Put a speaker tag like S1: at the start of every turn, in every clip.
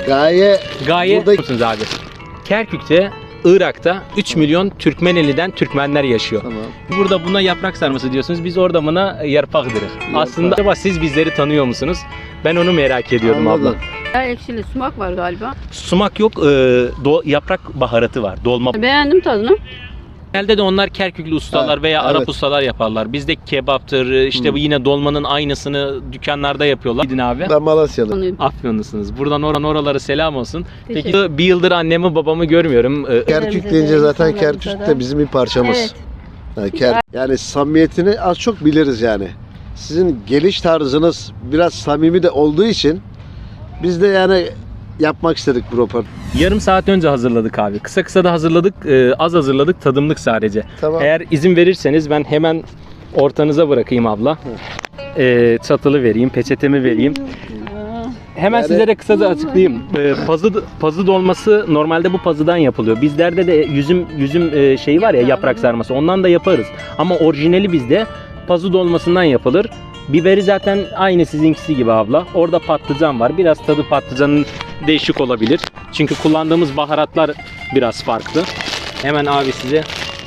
S1: Gaye burada...
S2: musunuz abi? Kerkük'te, Irak'ta 3 milyon Türkmeneli'den Türkmenler yaşıyor.
S1: Tamam.
S2: Burada buna yaprak sarması diyorsunuz. Biz orada buna yarpak deriz. Aslında acaba siz bizleri tanıyor musunuz? Ben onu merak ediyordum
S1: Anladım.
S2: abla.
S3: Ekşili sumak var galiba.
S2: Sumak yok, yaprak baharatı var. Dolma.
S3: Beğendim tadını.
S2: Genelde de onlar Kerküklü ustalar veya Arap
S1: evet.
S2: ustalar yaparlar. Bizde kebaptır, işte bu yine dolmanın aynısını dükkanlarda yapıyorlar. Gidin abi.
S1: Ben Malasyalı.
S2: Afyonlusunuz. Buradan oralara selam olsun. Peki bir yıldır annemi babamı görmüyorum.
S1: Kerkük deyince zaten Kerkük de bizim bir parçamız.
S3: Evet.
S1: Yani samimiyetini az çok biliriz yani. Sizin geliş tarzınız biraz samimi de olduğu için biz de yani yapmak istedik bu röportajı.
S2: Yarım saat önce hazırladık abi. Kısa da hazırladık. Az hazırladık. Tadımlık sadece.
S1: Tamam.
S2: Eğer izin verirseniz ben hemen ortanıza bırakayım abla. Çatalı vereyim, peçetemi vereyim. Hemen
S1: Yani-
S2: sizlere kısa da açıklayayım. Pazı dolması normalde bu pazıdan yapılıyor. Bizlerde de yüzüm şeyi var ya, yaprak sarması. Ondan da yaparız. Ama orijinali bizde pazı dolmasından yapılır. Biberi zaten aynı sizinkisi gibi abla. Orada patlıcan var. Biraz tadı patlıcanın değişik olabilir. Çünkü kullandığımız baharatlar biraz farklı. Hemen abi size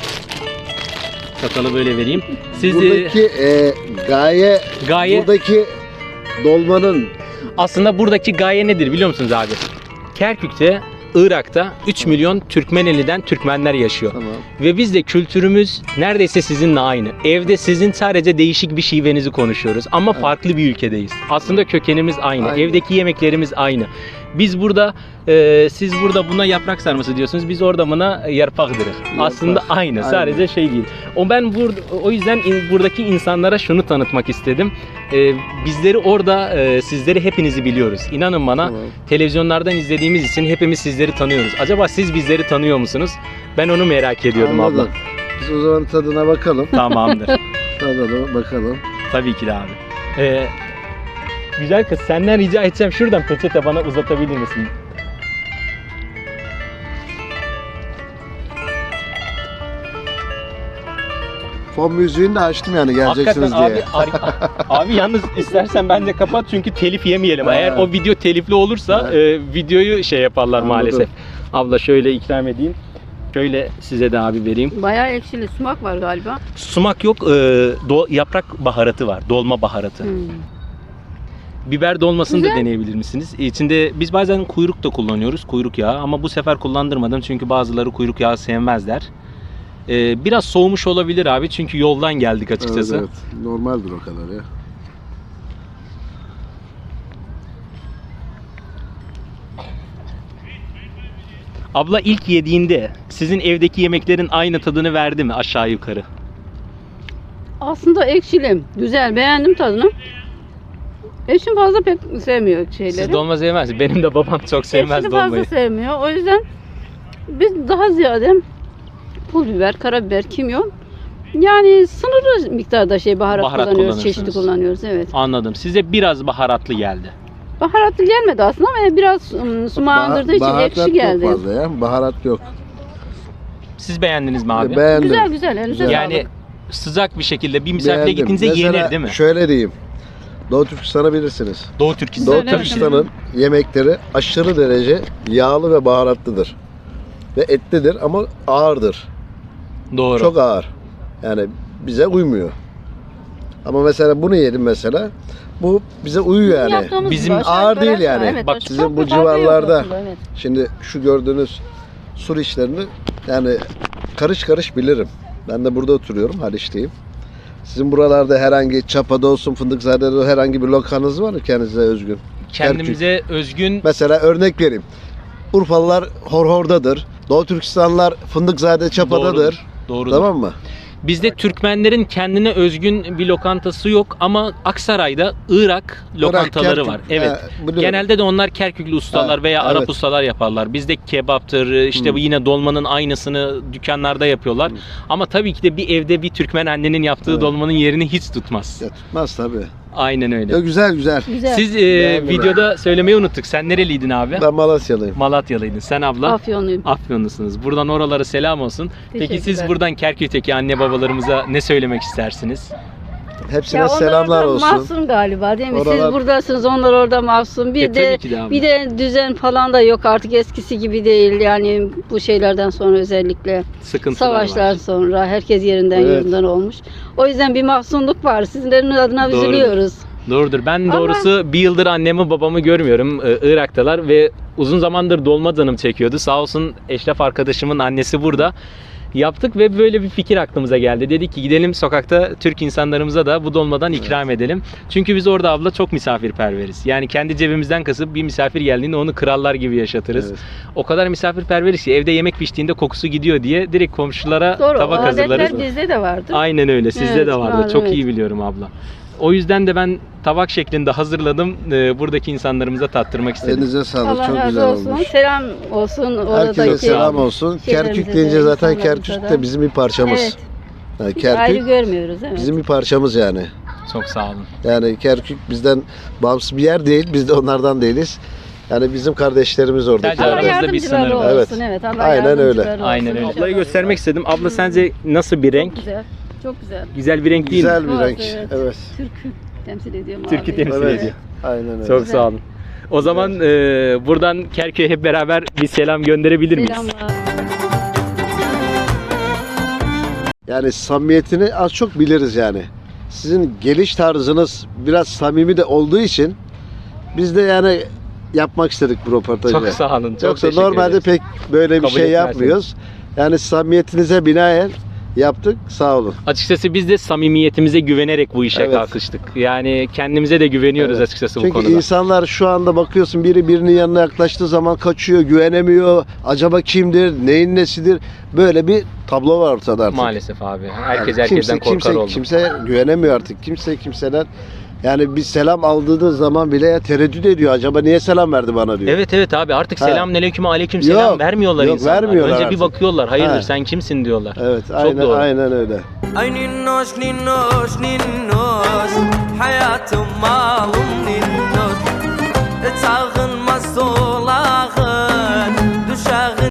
S2: çatalı böyle vereyim. Siz
S1: Buradaki gaye buradaki dolmanın
S2: aslında buradaki gaye nedir biliyor musunuz abi? Kerkük'te, Irak'ta 3 milyon Türkmeneli'den Türkmenler yaşıyor.
S1: tamam.
S2: Ve biz de kültürümüz neredeyse sizinle aynı. Evde sizin sadece değişik bir şivenizi konuşuyoruz ama farklı bir ülkedeyiz. Aslında kökenimiz aynı.
S1: Aynı.
S2: Evdeki yemeklerimiz aynı. Biz burada, siz burada buna yaprak sarması diyorsunuz. Biz orada buna yarpak deriz. Aslında aynı. Sadece şey değil. O yüzden buradaki insanlara şunu tanıtmak istedim. Bizleri orada, sizleri hepinizi biliyoruz. İnanın bana,
S1: Tamam.
S2: televizyonlardan izlediğimiz için hepimiz sizleri tanıyoruz. Acaba siz bizleri tanıyor musunuz? Ben onu merak ediyordum
S1: Anladım.
S2: abla.
S1: Biz o zaman tadına bakalım.
S2: Tamamdır.
S1: Tadına bakalım.
S2: Tabii ki de abi. Güzel kız, senden rica edeceğim, şuradan peçete bana uzatabilir misin?
S1: Fon müziğini de açtım yani geleceksiniz
S2: Hakikaten
S1: diye.
S2: abi, abi yalnız istersen bence kapat çünkü telif yemeyelim. Eğer o video telifli olursa videoyu şey yaparlar
S1: Anladım.
S2: maalesef. Abla şöyle ikram edeyim. Şöyle size de abi vereyim.
S3: Bayağı ekşili sumak var galiba.
S2: Sumak yok, yaprak baharatı var, dolma baharatı. Biber dolmasını da
S3: Güzel.
S2: deneyebilir misiniz? İçinde biz bazen kuyruk da kullanıyoruz, kuyruk yağı, ama bu sefer kullandırmadım çünkü bazıları kuyruk yağı sevmezler. Biraz soğumuş olabilir abi çünkü yoldan geldik açıkçası.
S1: Evet, evet. Normaldir o kadar ya.
S2: Abla ilk yediğinde sizin evdeki yemeklerin aynı tadını verdi mi aşağı yukarı?
S3: Aslında ekşili. Güzel. Beğendim tadını. Eşim fazla pek sevmiyor şeyleri.
S2: Siz dolma sevmezsiniz. Benim de babam çok sevmez
S3: Ekşili
S2: dolmayı.
S3: fazla sevmiyor. O yüzden biz daha ziyade pul biber, karabiber, kimyon, yani sınırlı miktarda baharat kullanıyoruz,
S2: kullanıyorsunuz.
S3: çeşitli kullanıyoruz, evet.
S2: Anladım. Size biraz baharatlı geldi.
S3: Baharatlı gelmedi aslında ama biraz sumağındırdığı için
S1: Baharat
S3: ekşi geldi.
S1: yok fazla ya. Baharat yok.
S2: Siz beğendiniz mi abi?
S1: Beğendim.
S3: Güzel güzel, elinize
S2: Yani
S3: sağlık.
S2: sıcak bir şekilde bir misafire
S1: Beğendim.
S2: gittiğinizde
S1: Mesela
S2: yenir değil mi?
S1: şöyle diyeyim. Doğu Türkistan'ı bilirsiniz.
S2: Doğu Türkistan.
S1: Doğu
S3: Evet.
S1: Türkistan'ın yemekleri aşırı derece yağlı ve baharatlıdır. Ve etlidir ama ağırdır.
S2: Doğru.
S1: Çok ağır. Yani bize uymuyor. Ama mesela bunu yedim mesela. Bu bize uyuyor yani.
S3: Yaptığımız
S2: Bizim
S3: gibi
S1: ağır
S3: aşağı
S1: değil
S3: yukarı
S1: yani.
S3: aşağı, evet,
S2: Bak,
S3: çok
S1: sizin bu
S3: bir farkı yok
S1: civarlarda
S3: aslında, evet.
S1: Şimdi şu gördüğünüz sur işlerini yani karış karış bilirim. Ben de burada oturuyorum, Haliç'teyim. Sizin buralarda herhangi Çapa'da olsun, Fındıkzade'de olsun herhangi bir lokanız var mı kendinize özgün?
S2: Kendimize özgün.
S1: Mesela örnek vereyim. Urfalılar Horhor'dadır. Doğu Türkistanlılar Fındıkzade Çapa'dadır.
S2: Doğrudur.
S1: Tamam mı?
S2: Bizde Türkmenlerin kendine özgün bir lokantası yok ama Aksaray'da Irak lokantaları
S1: Kerkük.
S2: var. Evet.
S1: Biliyorum.
S2: Genelde de onlar Kerküklü ustalar veya Arap
S1: evet.
S2: ustalar yaparlar. Bizde kebaptır, işte bu yine dolmanın aynısını dükkanlarda yapıyorlar. Ama tabii ki de bir evde bir Türkmen annenin yaptığı dolmanın yerini hiç tutmaz.
S1: Ya tutmaz tabii.
S2: Aynen öyle.
S1: Ya güzel güzel.
S3: Güzel.
S2: Siz
S1: Beğendim.
S2: videoda söylemeyi unuttuk. Sen nereliydin abi?
S1: Ben Malasyalıyım.
S2: Malatyalıydın. Sen abla?
S3: Afyonluyum.
S2: Afyonlusunuz. Buradan oralara selam olsun. Peki siz
S3: Teşekkürler.
S2: buradan Kerkük'teki anne babalarımıza ne söylemek istersiniz?
S1: Hepsine
S3: Ya onlar
S1: selamlar
S3: orada
S1: olsun.
S3: mahzun galiba değil mi?
S1: Oralar-
S3: Siz buradasınız, onlar orada mahzun. Bir de
S2: tabii ki de abi.
S3: bir de düzen falan da yok artık, eskisi gibi değil. Yani bu şeylerden sonra özellikle
S2: Sıkıntılar
S3: savaşlar
S2: var.
S3: sonra herkes yerinden
S1: Evet.
S3: yerinden olmuş. O yüzden bir mahzunluk var. Sizlerin adına
S2: Doğrudur.
S3: üzülüyoruz.
S2: Doğrudur. Ben
S3: Ama-
S2: doğrusu bir yıldır annemi babamı görmüyorum. Irak'talar ve uzun zamandır dolma canım çekiyordu. Sağ olsun Eşref arkadaşımın annesi burada. Yaptık ve böyle bir fikir aklımıza geldi. Dedik ki gidelim sokakta Türk insanlarımıza da bu dolmadan ikram edelim. Çünkü biz orada abla çok misafirperveriz. Yani kendi cebimizden kasıp bir misafir geldiğinde onu krallar gibi yaşatırız.
S1: Evet.
S2: O kadar misafirperveriz ki evde yemek piştiğinde kokusu gidiyor diye direkt komşulara
S3: Doğru.
S2: tabak
S3: o
S2: hazırlarız.
S3: adetler bizde de vardı.
S2: Aynen öyle. Sizde
S3: Evet,
S2: de vardı.
S3: var,
S2: Çok
S3: evet.
S2: iyi biliyorum abla. O yüzden de ben tabak şeklinde hazırladım. Buradaki insanlarımıza tattırmak istedim.
S1: Elinize sağlık.
S3: Allah
S1: Çok
S3: razı
S1: güzel
S3: olsun.
S1: olmuş.
S3: Selam olsun
S1: Herkese
S3: oradaki.
S1: selam olsun.
S3: şeylerimize
S1: Kerkük
S3: de,
S1: deyince zaten
S3: insanlarımıza
S1: Kerkük
S3: da.
S1: de bizim bir parçamız.
S3: Evet.
S1: Yani
S3: Hiç ayrı
S1: Kerkük
S3: görmüyoruz, evet.
S1: bizim bir parçamız yani.
S2: Çok sağ olun.
S1: Yani Kerkük bizden bağımsız bir yer değil. Biz de onlardan değiliz. Yani bizim kardeşlerimiz orada.
S2: Sadece
S3: Allah
S2: aramızda bir
S3: yardımcıları
S2: sınır var.
S3: olsun.
S1: Evet.
S3: Evet. Allah
S1: Aynen öyle.
S3: yardımcıları olsun.
S2: Aynen öyle.
S3: İnşallah.
S2: Ablayı göstermek istedim. Abla sence nasıl bir renk?
S3: Çok güzel. Çok güzel.
S2: Güzel bir renk değil mi?
S1: Güzel bir
S3: Evet,
S1: renk.
S3: evet.
S1: Evet.
S3: Türk'ü temsil ediyor.
S2: Türk'ü
S3: mavi.
S2: temsil
S1: Evet.
S2: ediyor.
S1: Aynen öyle.
S2: Çok
S3: Güzel.
S2: sağ olun. O zaman buradan Kerkük'e hep beraber bir selam gönderebilir miyiz?
S3: Selamlar.
S1: Yani samimiyetini az çok biliriz yani. Sizin geliş tarzınız biraz samimi de olduğu için biz de yani yapmak istedik bu röportajı.
S2: Çok sağ olun. Çok
S1: Yoksa
S2: teşekkür
S1: normalde
S2: ederiz.
S1: pek böyle bir
S2: Kabul
S1: şey
S2: etmezsiniz.
S1: yapmıyoruz. Yani samimiyetinize binaen yaptık. Sağ olun.
S2: Açıkçası biz de samimiyetimize güvenerek bu işe
S1: Evet.
S2: kalkıştık. Yani kendimize de güveniyoruz
S1: Evet.
S2: açıkçası bu
S1: Çünkü
S2: konuda.
S1: insanlar şu anda bakıyorsun biri birinin yanına yaklaştığı zaman kaçıyor, güvenemiyor. Acaba kimdir, neyin nesidir? Böyle bir tablo var ortada artık.
S2: Maalesef abi. Herkes
S1: Yani
S2: herkesten korkar oldu.
S1: Kimse güvenemiyor artık. Kimse kimseden yani bir selam aldığı zaman bile ya tereddüt ediyor. Acaba niye selam verdi bana diyor.
S2: Evet evet abi artık
S1: Ha.
S2: selamünaleyküm aleyküm selam
S1: Yok,
S2: vermiyorlar
S1: yok,
S2: insanlar.
S1: vermiyorlar
S2: Önce bir
S1: artık.
S2: bakıyorlar. Hayırdır
S1: Ha.
S2: sen kimsin diyorlar.
S1: Evet,
S2: Çok doğru.
S1: aynen öyle.
S4: Ay ninnoş ninnoş ninnoş hayatım malım ninnoş.